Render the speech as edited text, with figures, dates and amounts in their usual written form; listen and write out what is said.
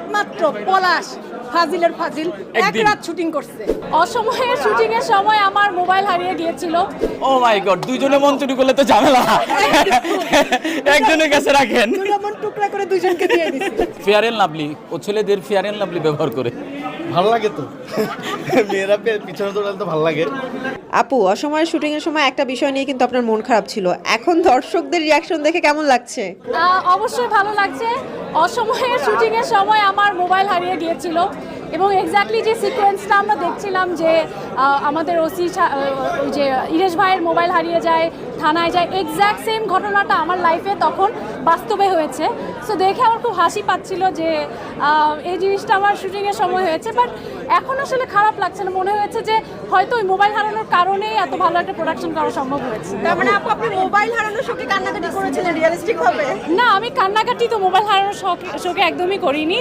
একমাত্র পলাশ ফাজিলের ফাজিল এক রাত শুটিং করছে। অসময়ের শুটিং এর সময় আমার মোবাইল হারিয়ে গিয়েছিল। ও মাই গড, দুইজনে মন চুরি করলে তো ঝামেলা, একজনের কাছে রাখেন। দুটো মন টুকরা করে দুজনকে দিয়ে দিছি। ফেয়ার এন্ড লাভলি, ও ছেলেদের ফেয়ার এন্ড লাভলি ব্যবহার করে। ভালো লাগে তো, মেয়েরা পিছনে দৌড়ালে তো ভালো লাগে। আপু, অসময়ের শুটিং এর সময় একটা বিষয় নিয়ে কিন্তু আপনার মন খারাপ ছিল, এখন দর্শকদের রিয়াকশন দেখে কেমন লাগছে? অবশ্যই ভালো লাগছে। অসময়ের শুটিং এর সময় আমার মোবাইল হারিয়ে গিয়েছিল এবং এক্স্যাক্টলি যে সিকোয়েন্সটা আমরা দেখছিলাম যে আমাদের ওসি ওই যে ইরেশ ভাইয়ের মোবাইল হারিয়ে যায়, থানায় যায়, এক্স্যাক্ট সেম ঘটনাটা আমার লাইফে তখন বাস্তবে হয়েছে। সো দেখে আমার খুব হাসি পাচ্ছিল যে এই জিনিসটা আমার শুটিংয়ের সময় হয়েছে। বাট এখন আসলে খারাপ লাগছে না, মনে হয়েছে যে হয়তো ওই মোবাইল হারানোর কারণেই এত ভালো একটা প্রোডাকশন করা সম্ভব হয়েছে। তার মানে আপনি মোবাইল হারানোর শোকে কান্নাকাটি করেছিলেন রিয়েলিস্টিক ভাবে? না, আমি কান্নাকাটি তো মোবাইল হারানোর শোকে একদমই করিনি।